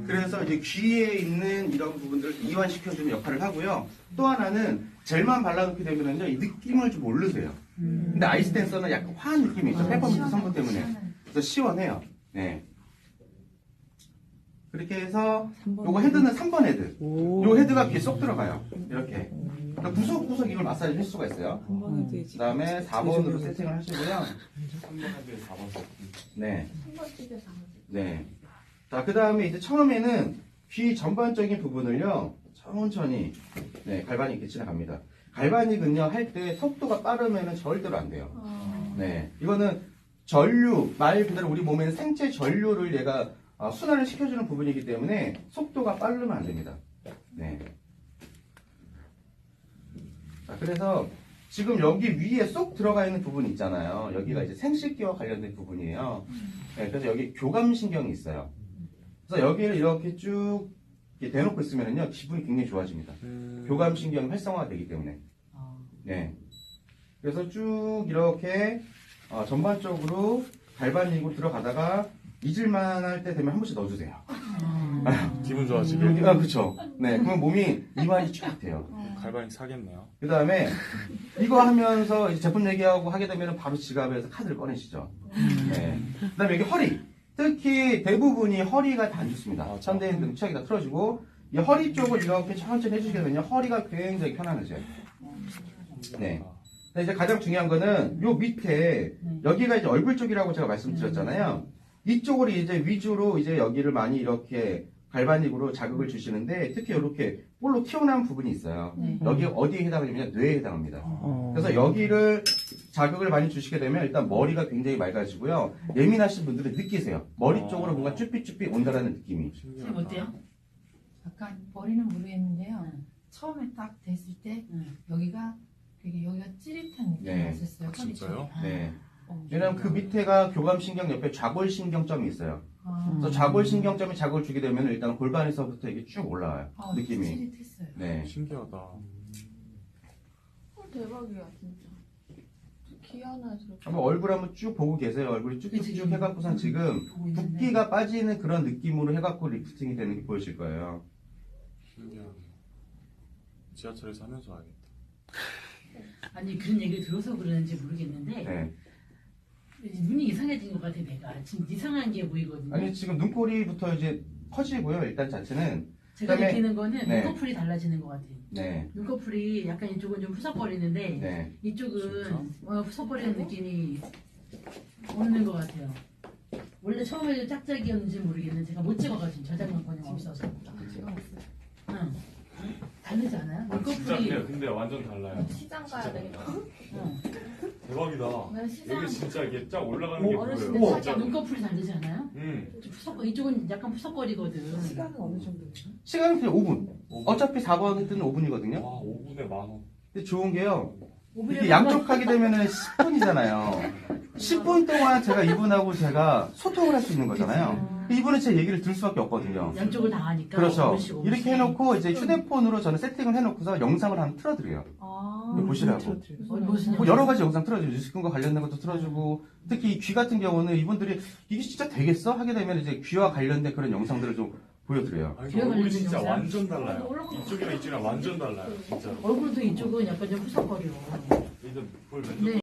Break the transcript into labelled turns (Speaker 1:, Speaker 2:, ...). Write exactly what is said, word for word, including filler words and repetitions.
Speaker 1: 그래서 이제 귀에 있는 이런 부분들을 이완시켜주는 역할을 하고요. 또 하나는 젤만 발라놓게 되면은요, 이 느낌을 좀 모르세요.
Speaker 2: 음.
Speaker 1: 근데 아이스 댄서는 약간 화한 느낌이 있죠.
Speaker 2: 아,
Speaker 1: 페퍼민트 성분 때문에.
Speaker 2: 시원해.
Speaker 1: 그래서 시원해요. 네. 그렇게 해서
Speaker 3: 삼 번
Speaker 1: 요거 헤드는 삼 번 헤드.
Speaker 3: 오.
Speaker 1: 요 헤드가 귀에 쏙 들어가요. 이렇게. 그러니까 구석구석 이걸 마사지 할 수가 있어요.
Speaker 3: 한 번에 되지.
Speaker 1: 그 다음에 사 번으로 세팅을 하시고요.
Speaker 4: 삼 번 헤드에 사 번 세팅.
Speaker 1: 네.
Speaker 2: 한번 찢어서 한 번.
Speaker 1: 네. 자, 그 다음에 이제 처음에는 귀 전반적인 부분을요, 천천히, 네, 갈바닉 이렇게 지나갑니다. 갈바닉은요, 할 때 속도가 빠르면 절대로 안 돼요.
Speaker 2: 어.
Speaker 1: 네. 이거는 전류, 말 그대로 우리 몸에는 생체 전류를 얘가 어, 순환을 시켜주는 부분이기 때문에 속도가 빠르면 안 됩니다. 네. 자, 그래서 지금 여기 위에 쏙 들어가 있는 부분이 있잖아요. 여기가 이제 생식기와 관련된 부분이에요. 네, 그래서 여기 교감신경이 있어요. 그래서 여기를 이렇게 쭉 이렇게 대놓고 있으면요, 기분이 굉장히 좋아집니다.
Speaker 4: 음.
Speaker 1: 교감신경이 활성화가 되기 때문에. 네. 그래서 쭉 이렇게 어, 전반적으로 갈바닉으로 들어가다가 잊을만 할 때 되면 한 번씩 넣어주세요.
Speaker 4: 기분 좋아지게.
Speaker 1: 아, 그렇죠. 네, 그러면 몸이 이완이 쫙 돼요.
Speaker 4: 갈바닉 사겠네요.
Speaker 1: 그 다음에 이거 하면서 이제 제품 얘기하고 하게 되면 바로 지갑에서 카드를 꺼내시죠. 네. 그 다음에 여기 허리. 특히 대부분이 허리가 다 안 좋습니다.
Speaker 4: 맞아.
Speaker 1: 현대인 등 취약이 다 틀어지고 이 허리 쪽을 이렇게 천천히 해주시게 되면 허리가 굉장히 편안해져요. 네. 근데 이제 가장 중요한 거는 요 밑에 여기가 이제 얼굴 쪽이라고 제가 말씀드렸잖아요. 이쪽으로 이제 위주로 이제 여기를 많이 이렇게 갈바닉으로 자극을 주시는데 특히 이렇게 볼로 튀어나온 부분이 있어요.
Speaker 2: 네.
Speaker 1: 여기 어디에 해당하냐면 뇌에 해당합니다.
Speaker 3: 어.
Speaker 1: 그래서 여기를 자극을 많이 주시게 되면 일단 머리가 굉장히 맑아지고요. 예민하신 분들은 느끼세요. 머리 쪽으로 뭔가 쭈삣쭈삣 온다라는 느낌이.
Speaker 2: 지금 어때요? 약간 머리는 모르겠는데요. 처음에 딱 됐을 때 여기가 되게 여기가 찌릿한 느낌이
Speaker 1: 네.
Speaker 2: 났었어요.
Speaker 4: 아, 진짜요?
Speaker 1: 네.
Speaker 2: 어,
Speaker 1: 왜냐면 그 밑에가 교감신경 옆에 좌골신경점이 있어요.
Speaker 2: 아,
Speaker 1: 그래서 좌골신경점이 자극을 주게 되면 일단 골반에서부터 이게 쭉 올라와요.
Speaker 2: 아,
Speaker 1: 느낌이.
Speaker 2: 찌릿했어요.
Speaker 1: 네.
Speaker 4: 신기하다.
Speaker 5: 어, 대박이야 진짜. 귀 하나 저렇게.
Speaker 1: 한번 얼굴 한번 쭉 보고 계세요. 얼굴이 쭉쭉쭉 해갖고선 지금 붓기가 빠지는 그런 느낌으로 해갖고 리프팅이 되는 게 보이실 거예요.
Speaker 4: 신기하네. 지하철에서 하면서 와야겠다.
Speaker 6: 아니 그런 얘기를 들어서 그러는지 모르겠는데
Speaker 1: 네.
Speaker 6: 눈이 이상해진 것 같아 내가 지금 이상한 게 보이거든요.
Speaker 1: 아니 지금 눈꼬리부터 이제 커지고요. 일단 자체는.
Speaker 6: 제가
Speaker 1: 그다음에-
Speaker 6: 느끼는 거는
Speaker 1: 네.
Speaker 6: 눈꺼풀이 달라지는 것 같아요.
Speaker 1: 네.
Speaker 6: 눈꺼풀이 약간 이쪽은 좀 푸석거리는데
Speaker 1: 네.
Speaker 6: 이쪽은
Speaker 4: 진짜?
Speaker 6: 어, 푸석거리는 느낌이 오는 것 같아요. 원래 처음에 짝짝이었는지 모르겠는데 제가 못 찍어가지고 저장권이 없어서. 응. 다르지 않아요?
Speaker 4: 아, 진짜
Speaker 6: 눈꺼풀이.
Speaker 4: 근데, 근데 완전 달라요.
Speaker 5: 시장 가야 되겠다.
Speaker 6: 응.
Speaker 4: 대박이다.
Speaker 5: 난 시장.
Speaker 4: 여기 진짜 이게 쫙 올라가는 게
Speaker 5: 어렸을
Speaker 4: 보여요.
Speaker 5: 때
Speaker 6: 살짝 눈꺼풀이 다르지 않아요?
Speaker 4: 응.
Speaker 6: 좀 푸석, 이쪽은 약간 푸석거리거든.
Speaker 3: 시간은 어느 정도예요?
Speaker 1: 시간은 그냥 오 분. 어차피 사 번 헤드는 오 분이거든요.
Speaker 4: 와, 오 분에 만 원.
Speaker 1: 근데 좋은 게요. 이게
Speaker 6: 오히려
Speaker 1: 양쪽 하게 되면은 십 분이잖아요. 십 분 동안 제가 이분하고 제가 소통을 할 수 있는 거잖아요. 이분은 제 얘기를 들을 수밖에 없거든요.
Speaker 6: 양쪽을 다 하니까.
Speaker 1: 그렇죠.
Speaker 6: 오분씩, 오분씩.
Speaker 1: 이렇게 해놓고 이제 휴대폰으로 저는 세팅을 해놓고서 영상을 한번 틀어드려요.
Speaker 2: 아,
Speaker 1: 이거 보시라고.
Speaker 6: 어, 무슨
Speaker 1: 뭐 여러 가지 영상 틀어주고 뉴스근과 관련된 것도 틀어주고 특히 이 귀 같은 경우는 이분들이 이게 진짜 되겠어? 하게 되면 이제 귀와 관련된 그런 영상들을 좀 보여드려요.
Speaker 4: 아니,
Speaker 6: 귀가
Speaker 4: 얼굴이
Speaker 6: 걸리는
Speaker 4: 진짜
Speaker 6: 영상?
Speaker 4: 완전 달라요. 이쪽이랑 이쪽이랑 완전 달라요. 진짜.
Speaker 6: 얼굴도 이쪽은 약간 좀 푸석거려.
Speaker 4: 이제 볼
Speaker 6: 네.